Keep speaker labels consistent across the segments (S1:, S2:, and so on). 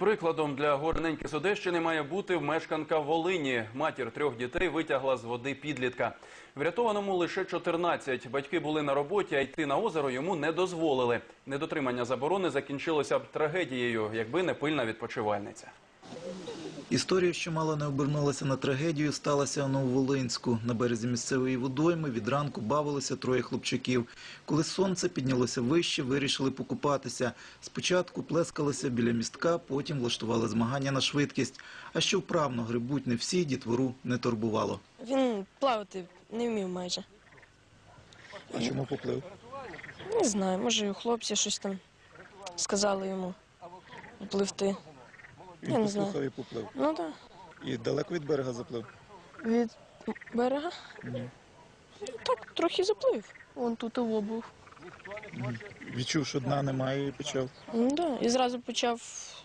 S1: Прикладом для горненьки з Одещини має бути мешканка Волині. Матір 3 дітей витягла з води підлітка. Врятованому лише 14. Батьки були на роботі, а йти на озеро йому не дозволили. Недотримання заборони закінчилося б трагедією, якби не пильна відпочивальниця.
S2: Історія, що мало не обернулася на трагедію, сталася у Нововолинську. На березі місцевої водойми від ранку бавилися 3 хлопчаків. Коли сонце піднялося вище, вирішили покупатися. Спочатку плескалися біля містка, потім влаштували змагання на швидкість. А що вправно грибуть не всі, дітвору не турбувало.
S3: Він плавати не вмів майже.
S2: А чому поплив?
S3: Не знаю, може хлопці щось там сказали йому пливти.
S2: Він послухав і поплив?
S3: Ну так.
S2: І далеко від берега заплив?
S3: Від берега?
S2: Ні.
S3: Так, трохи заплив. Вон тут його був.
S2: Відчув, що дна немає і почав?
S3: Да. І зразу почав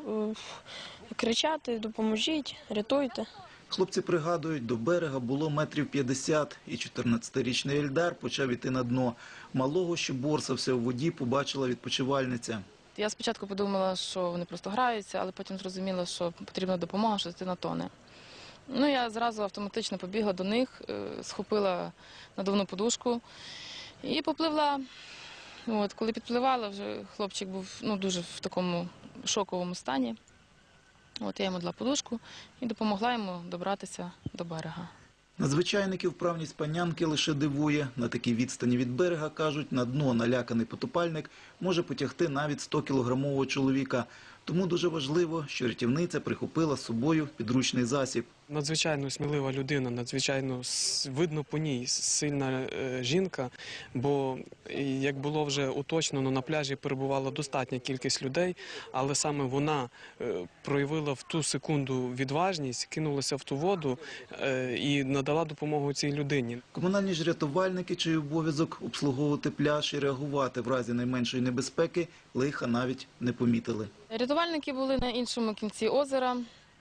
S3: кричати: допоможіть, рятуйте.
S2: Хлопці пригадують, до берега було метрів 50, і 14-річний Ельдар почав іти на дно. Малого, що борсався у воді, побачила відпочивальниця.
S4: Я спочатку подумала, що вони просто граються, але потім зрозуміла, що потрібна допомога, що дитина тоне. Ну, я зразу автоматично побігла до них, схопила надувну подушку і попливла. От, коли підпливала, вже хлопчик був дуже в такому шоковому стані. От, я йому дала подушку і допомогла йому добратися до берега.
S2: Надзвичайників вправність панянки лише дивує. На такій відстані від берега, кажуть, на дно наляканий потопальник може потягти навіть 100-кілограмового чоловіка. Тому дуже важливо, що рятівниця прихопила з собою підручний засіб.
S5: Надзвичайно смілива людина, надзвичайно видно по ній сильна жінка, бо, як було вже уточнено, на пляжі перебувала достатня кількість людей, але саме вона проявила в ту секунду відважність, кинулася в ту воду і надала допомогу цій людині.
S2: Комунальні ж рятувальники, чий обов'язок обслуговувати пляж і реагувати в разі найменшої небезпеки, лиха навіть не помітили.
S4: Рятувальники були на іншому кінці озера.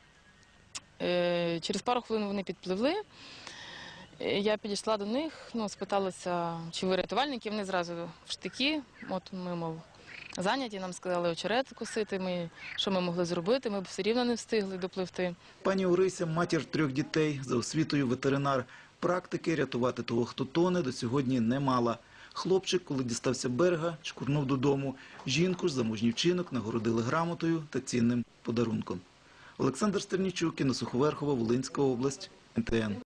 S4: Через пару хвилин вони підпливли. Я підійшла до них, спиталася, чи ви рятувальники. Вони зразу в штики. От ми, мов, зайняті, нам сказали очерет косити. Що ми могли зробити, ми б все рівно не встигли допливти.
S2: Пані Орися – матір 3 дітей, за освітою ветеринар. Практики рятувати того, хто тоне, до сьогодні не мала. Хлопчик, коли дістався берега, чкурнув додому. Жінку ж за мужній вчинок нагородили грамотою та цінним подарунком. Олександр Стернічук, Інна Суховерхова, Волинська область, НТН.